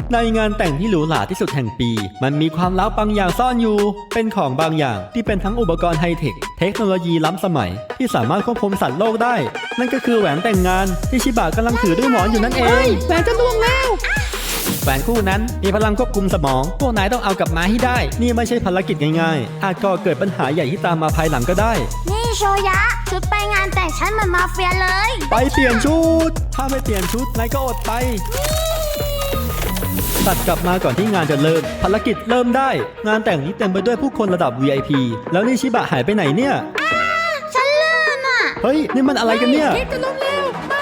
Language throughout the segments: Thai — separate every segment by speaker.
Speaker 1: ในงานแต่งที่หรูหราที่สุดแห่งปี มันมีความลับบางอย่างซ่อนอยู่ เป็นของบางอย่างที่เป็นทั้งอุปกรณ์ไฮเทค เทคโนโลยีล้ำสมัย ที่สามารถควบคุมสัตว์โลกได้ นั่นก็คือแหวนแต่งงานที่ชิบะกำลังถือด้วยหมอนอยู่นั่นเองแหวนจะล่วงแล้วแหวนคู่นั้นมีพลังควบคุมสมอง พวกนายต้องเอากลับมาให้ได้ นี่ไม่ใช่ภารกิจง่ายๆ อาจก่อเกิดปัญหาใหญ่ที่ตามมาภายหลังก็ได้
Speaker 2: นี่โชยะ ชุดไปงานแต่งฉันเหมือนมาเฟียเลย
Speaker 1: ไปเปลี่ยนชุด ถ้าไม่เปลี่ยนชุดนายก็อดไป ตัดกลับมาก่อนที่งานจะเริ่ม ภารกิจเริ่มได้ งานแต่งนี้เต็มไปด้วยผู้คนระดับ VIP แล้วนี่ชิบะหายไปไหนเนี่ย
Speaker 2: ฉันลื่นอ่ะ
Speaker 1: เฮ้ย นี่มันอะไรกันเนี่ย
Speaker 2: เค้กจะล้มแล้ว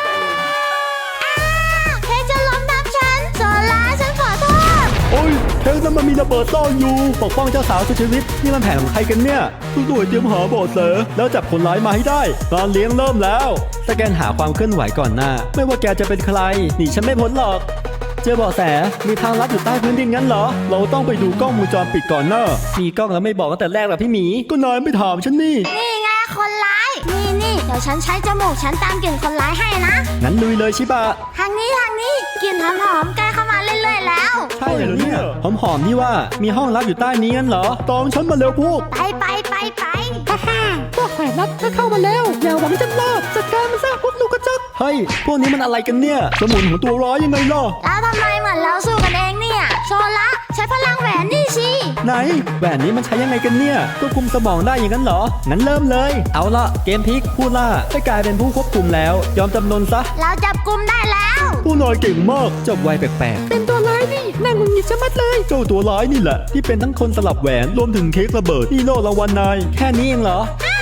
Speaker 2: เค้กจะล้มทับฉันโซล่าฉันขอโทษ
Speaker 1: โอ้ยเค้กนั้นมันมีระเบิดซ่อนอยู่ ปกป้องเจ้าสาวสุดชีวิต นี่มันแผนของใครกันเนี่ยทุกหน่วยเตรียมหาเบาะแสแล้วจับคนร้ายมาให้ได้งานเลี้ยงเริ่มแล้วสแกนหาความเคลื่อนไหวก่อนหน้า ไม่ว่าแกจะเป็นใครหนีฉันไม่พ้นหรอก เจอเบาะแสมีทางลัดอยู่ใต้พื้นดินงั้นเหรอ เราต้องไปดูกล้องวงจรปิดก่อนเนอะมีกล้องแล้วไม่บอกตั้งแต่แรกหรอพี่หมีก็นายไม่ถามฉันนี่
Speaker 2: นี่ไงคนร้าย นี่เดี๋ยวฉันใช้จมูกฉันตามกลิ่นคนร้ายให้นะ
Speaker 1: งั้นลุยเลยชิบะ
Speaker 2: ทางนี้กลิ่นหอมๆใกล้เข้ามาเรื่อยๆแล้ว
Speaker 1: ใช่เหรอเนี่ยหอมๆนี่ว่ามีห้องลับอยู่ใต้นี้งั้นเหรอตามฉันมาเร็วพวก
Speaker 2: ไป
Speaker 3: ฮ่าฮ่าพวกแขวนนัดก็เข้ามาแล้ว อย่าหวังจะรอดจัดการมันซะพวกลูกกระจอก
Speaker 1: เฮ้ยพวกนี้มันอะไรกันเนี่ยสมุนของตัวร้ายยังไงล่ะ
Speaker 2: แล้วทำไมเหมือนเราสู้กันเองเนี่ยโซล่าใช้พลังแหวนนี่สิ
Speaker 1: ไหนแหวนนี้มันใช้ยังไงกันเนี่ยควบคุมสมองได้อย่างนั้นเหรองั้นเริ่มเลยเอาละเกมพลิกผู้ล่าได้กลายเป็นผู้ควบคุมแล้ว ยอมจำนนซะ
Speaker 2: เราจับกุมได้แล้ว
Speaker 1: ผู้นายเก่งมากจบไวแปลก
Speaker 3: เป็นตัวร้ายนี่น่าหงุดหงิดชะมัดเลย
Speaker 1: ๆเจ้าตัวร้ายนี่แหละที่เป็นทั้งคนสลับแหวนรวมถึงเค้กระเบิดนี่โล่รางวัลนายแค่นี้เองเหรอ
Speaker 2: อ้า